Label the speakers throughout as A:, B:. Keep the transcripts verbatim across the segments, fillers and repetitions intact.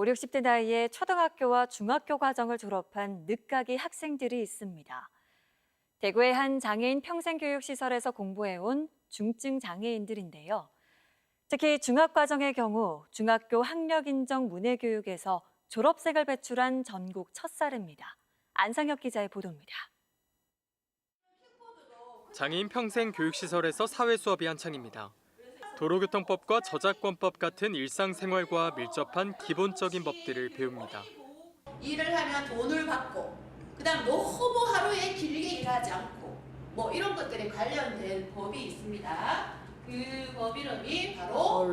A: 오, 육십 대 나이에 초등학교와 중학교 과정을 졸업한 늦가기 학생들이 있습니다. 대구의 한 장애인 평생교육시설에서 공부해온 중증 장애인들인데요. 특히 중학과정의 경우 중학교 학력인정 문해교육에서 졸업생을 배출한 전국 첫 사례입니다. 안상혁 기자의 보도입니다.
B: 장애인 평생교육시설에서 사회수업이 한창입니다. 도로교통법과 저작권법 같은 일상생활과 밀접한 기본적인 법들을 배웁니다.
C: 일을 하면 돈을 받고, 그다음 너무 하루에 길게 일하지 않고, 뭐 이런 것들에 관련된 법이 있습니다. 그 법 이름이 바로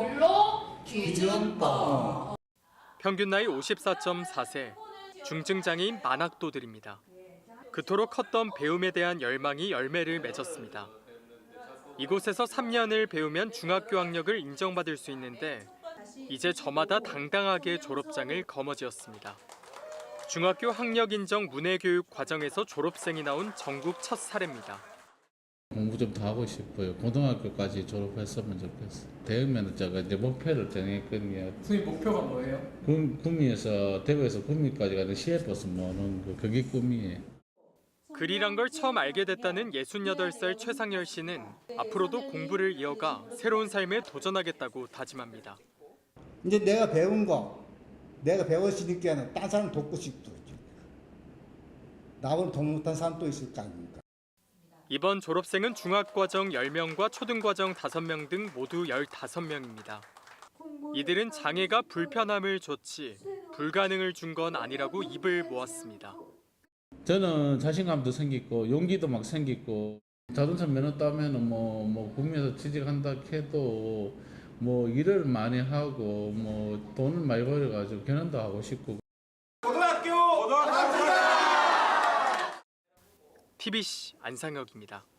C: 근로기준법.
B: 평균 나이 오십사 점 사 세, 중증장애인 만학도들입니다. 그토록 컸던 배움에 대한 열망이 열매를 맺었습니다. 이곳에서 삼 년을 배우면 중학교 학력을 인정받을 수 있는데 이제 저마다 당당하게 졸업장을 거머쥐었습니다. 중학교 학력 인정 문해교육 과정에서 졸업생이 나온 전국 첫 사례입니다.
D: 공부 좀 더 하고 싶어요. 고등학교까지 졸업했으면 좋겠어. 대학면허자가 이제 목표를 정했거든요.
E: 선생님 목표가 뭐예요?
D: 구, 구미에서 대구에서 구미까지 가는 시외버스 모는 거 그게 꿈이에요.
B: 글이란 걸 처음 알게 됐다는 예순여덟 살 최상열 씨는 앞으로도 공부를 이어가 새로운 삶에 도전하겠다고 다짐합니다.
F: 이제 내가 배운 거, 내가 배웠으니까 딴 사람 돕고 싶죠. 나보다 돈 못한 사람 또 있을 거 아닙니까?
B: 이번 졸업생은 중학과정 열 명과 초등과정 다섯 명 등 모두 열다섯 명입니다. 이들은 장애가 불편함을 줬지 불가능을 준 건 아니라고 입을 모았습니다.
D: 저는 자신감도 생기고 용기도 막 생기고 자동차 면허 따면은 뭐, 뭐 구미에서 취직한다 해도 뭐 일을 많이 하고 뭐 돈을 많이 벌어가지고 결혼도 하고 싶고.
E: 고등학교! 고등학교!
B: 티비씨 안상혁입니다.